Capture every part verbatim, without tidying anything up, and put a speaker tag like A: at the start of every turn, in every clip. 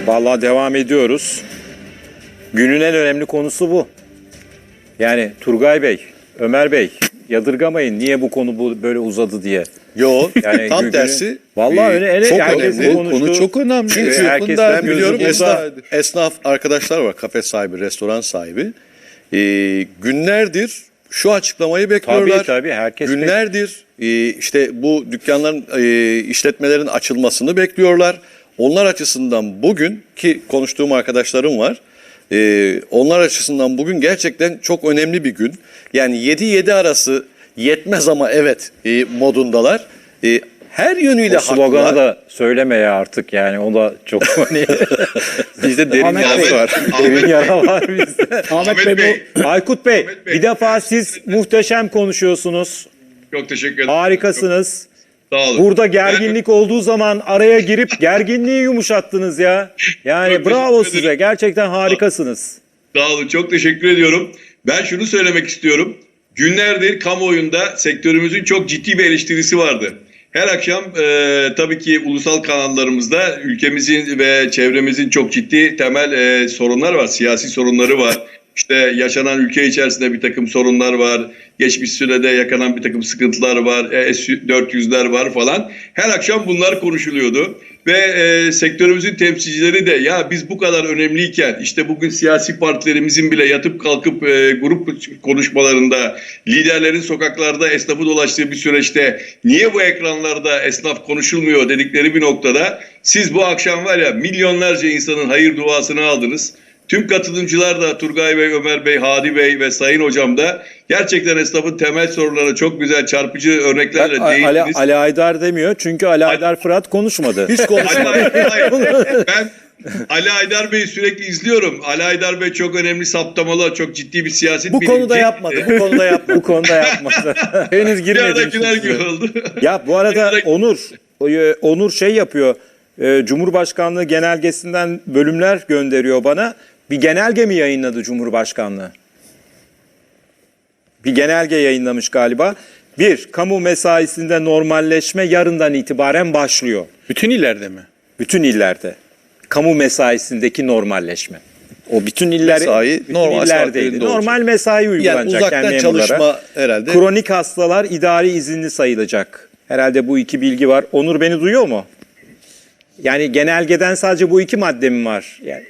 A: Vallahi devam ediyoruz. Günün en önemli konusu bu. Yani Turgay Bey, Ömer Bey yadırgamayın niye bu konu bu böyle uzadı diye.
B: Yo,
A: Yani
B: tam
A: günün-
B: tersi.
A: Vallahi
B: e,
A: öyle, öyle
B: çok
A: herkesin
B: önemli.
A: konuştuğu-
C: Konu çok önemli.
B: Çünkü
A: Ee, herkes-
C: Yapında
B: Ben biliyorum
A: gözü
B: esnaf,
C: burada.
B: esnaf arkadaşlar var, kafe sahibi, restoran sahibi. Ee, günlerdir şu açıklamayı bekliyorlar.
A: Tabii tabii herkes
B: Günlerdir e, işte bu dükkanların, e, işletmelerin açılmasını bekliyorlar. Onlar açısından bugün ki konuştuğum arkadaşlarım var. e, onlar açısından bugün gerçekten çok önemli bir gün. Yani yedi yedi arası yetmez ama evet e, modundalar. E, her yönüyle
A: O sloganı
B: haklılar.
A: da söyleme ya artık yani o da çok hani
B: Bizde derin
C: Ahmet
B: yarası
C: Bey.
B: var.
A: derin yara var bizde.
C: Ahmet,
D: Ahmet
C: Bey,
D: Bey.
A: Aykut Bey,
D: Ahmet Bey.
A: bir defa siz muhteşem konuşuyorsunuz.
D: Çok teşekkür ederim.
A: Harikasınız.
D: Çok sağ olun.
A: Burada gerginlik olduğu zaman araya girip gerginliği yumuşattınız ya. Yani
D: Çok
A: bravo
D: teşekkür
A: size.
D: ederim.
A: Gerçekten harikasınız.
D: Sağ olun. Çok teşekkür ediyorum. Ben şunu söylemek istiyorum. Günlerdir kamuoyunda sektörümüzün çok ciddi bir eleştirisi vardı. Her akşam e, tabii ki ulusal kanallarımızda ülkemizin ve çevremizin çok ciddi temel e, sorunlar var. Siyasi sorunları var. İşte yaşanan ülke içerisinde bir takım sorunlar var. Geçmiş sürede yakanan bir takım sıkıntılar var. E, S dört yüzler var falan. Her akşam bunlar konuşuluyordu. Ve e, sektörümüzün temsilcileri de ya biz bu kadar önemliyken işte bugün siyasi partilerimizin bile yatıp kalkıp e, grup konuşmalarında liderlerin sokaklarda esnafı dolaştığı bir süreçte niye bu ekranlarda esnaf konuşulmuyor dedikleri bir noktada siz bu akşam var ya milyonlarca insanın hayır duasını aldınız. Tüm katılımcılar da Turgay Bey, Ömer Bey, Hadi Bey ve Sayın Hocam da gerçekten esnafın temel sorunlarına çok güzel çarpıcı örneklerle
A: Ali,
D: değindiniz.
A: Ali Aydar demiyor çünkü Ali Aydar Fırat konuşmadı.
B: Hiç konuşmadım.
D: Hayır, hayır, hayır. Ben Ali Aydar Bey'i sürekli izliyorum. Ali Aydar Bey çok önemli saptamalı, çok ciddi bir siyaset
B: Bu
D: bilimci.
B: konuda yapmadı. Bu konuda yapmadı.
A: Bu konuda yapmadı. Henüz
D: Bir
A: girmedim.
D: aradakiler
A: size.
D: gibi oldu.
A: Ya bu arada
D: Bir
A: Onur, e, Onur şey yapıyor. e, Cumhurbaşkanlığı genelgesinden bölümler gönderiyor bana. Bir genelge mi yayınladı Cumhurbaşkanlığı? Bir genelge yayınlamış galiba. Bir, kamu mesaisinde normalleşme yarından itibaren başlıyor.
C: bütün illerde mi?
A: Bütün illerde. Kamu mesaisindeki normalleşme. O bütün iller
B: Mesai
A: bütün
B: normal
A: illerdeydi.
B: saatlerinde
A: Normal
B: olacak.
A: mesai
B: Yani
A: uygulanacak
B: uzaktan
A: yani memurlara.
B: çalışma herhalde.
A: Kronik hastalar idari izinli sayılacak. Herhalde bu iki bilgi var. Onur beni duyuyor mu? Yani genelgeden sadece bu iki madde mi var? Yani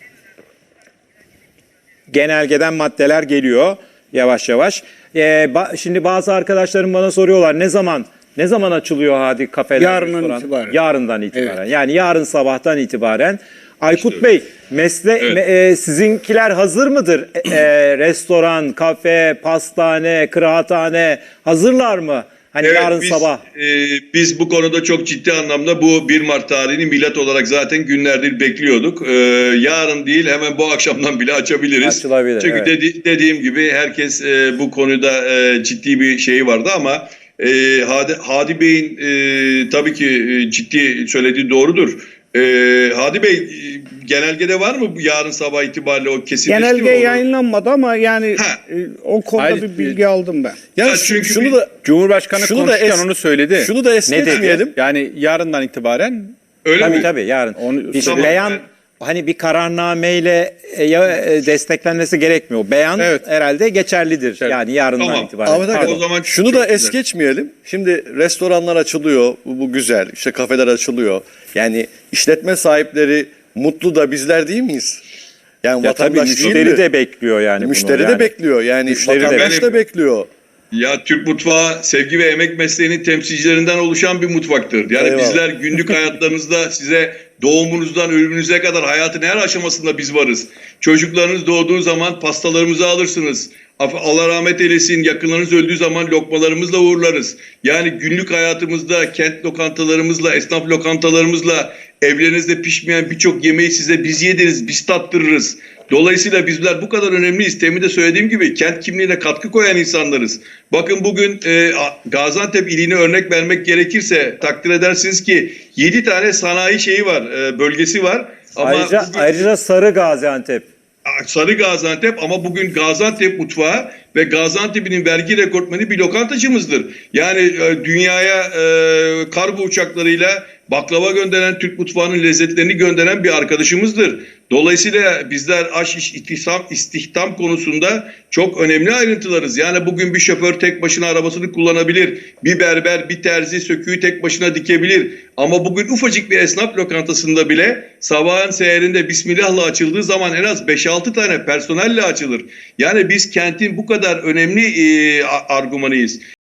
A: genelgeden maddeler geliyor yavaş yavaş. Ee, ba- şimdi bazı arkadaşlarım bana soruyorlar ne zaman ne zaman açılıyor hadi kafeler?
C: Yarından
A: restoran?
C: itibaren.
A: Yarından itibaren.
C: Evet.
A: Yani yarın sabahtan itibaren. Aykut Bey, mesle
D: Evet.
A: me- e, sizinkiler hazır mıdır? E, e, restoran, kafe, pastane, kıraathane hazırlar mı? Hani
D: Evet,
A: yarın
D: biz,
A: sabah.
D: e, biz bu konuda çok ciddi anlamda bu bir Mart tarihini milat olarak zaten günlerdir bekliyorduk. E, yarın değil hemen bu akşamdan bile açabiliriz.
A: Açılabilir,
D: Çünkü
A: evet.
D: dedi- dediğim gibi herkes e, bu konuda e, ciddi bir şeyi vardı ama e, Hadi, Hadi Bey'in e, tabii ki e, ciddi söylediği doğrudur. E, Hadi Bey e, genelgede var mı bu yarın sabah itibariyle o kesinleşti mi?
C: Genelge
D: Onu-
C: yayınlanmadı ama yani
D: Ha.
C: e, o konuda
E: Hayır,
C: bir bilgi aldım ben.
B: Yani
D: Ya
B: şu-
D: çünkü
B: şunu
D: bir-
B: da
E: Cumhurbaşkanı
B: Şunu da
E: konuşurken
B: es-
E: onu söyledi.
B: şunu da es
A: Ne dedi?
B: geçmeyelim.
E: Yani yarından itibaren
D: Öyle
A: Tabii
D: mi?
A: tabii yarın.
E: Onu-
A: bir
D: Tamam,
A: beyan
D: evet.
A: hani bir kararnameyle e, ya, e, desteklenmesi gerekmiyor. Beyan
E: Evet.
A: herhalde geçerlidir.
E: Evet.
A: Yani yarından
D: Tamam.
A: itibaren.
B: Ahmet
A: Pardon.
B: Hakan,
D: O zaman
B: şunu
D: çok
B: da es
D: güzel.
B: geçmeyelim. Şimdi restoranlar açılıyor. Bu, bu güzel. İşte kafeler açılıyor. Yani işletme sahipleri mutlu da bizler değil miyiz? Yani
A: Ya tabii
B: vatandaş değil
A: müşteri
B: mi?
A: de bekliyor yani
B: Müşteri
A: bunu
B: de
A: yani.
B: bekliyor. Yani
A: Müşteri de
B: vatandaş da
D: bekliyor.
B: bekliyor.
D: Ya Türk mutfağı sevgi ve emek mesleğinin temsilcilerinden oluşan bir mutfaktır. Yani
B: Eyvallah.
D: bizler günlük hayatlarınızda size doğumunuzdan ölümünüze kadar hayatın her aşamasında biz varız. Çocuklarınız doğduğu zaman pastalarımızı alırsınız. Af- Allah rahmet eylesin, yakınlarınız öldüğü zaman lokmalarımızla uğurlarız. Yani günlük hayatımızda kent lokantalarımızla, esnaf lokantalarımızla evlerinizde pişmeyen birçok yemeği size biz yediririz, biz tattırırız. Dolayısıyla bizler bu kadar önemliyiz. Temin de söylediğim gibi kent kimliğine katkı koyan insanlarız. Bakın bugün e, Gaziantep iline örnek vermek gerekirse takdir edersiniz ki yedi tane sanayi şeyi var, e, bölgesi var. Ama
A: Ayrıca,
D: bugün-
A: ayrıca Sarı Gaziantep.
D: Sarı Gaziantep ama bugün Gaziantep mutfağı ve Gaziantep'in vergi rekortmeni bir lokantacımızdır. Yani e, dünyaya e, kargo uçaklarıyla baklava gönderen, Türk mutfağının lezzetlerini gönderen bir arkadaşımızdır. Dolayısıyla bizler aş iş istihdam, istihdam konusunda çok önemli ayrıntılarız. Yani bugün bir şoför tek başına arabasını kullanabilir. Bir berber, bir terzi söküğü tek başına dikebilir. Ama bugün ufacık bir esnaf lokantasında bile sabahın seherinde Bismillah'la açıldığı zaman en az beş altı tane personelle açılır. Yani biz kentin bu kadar önemli e, argümanıyız.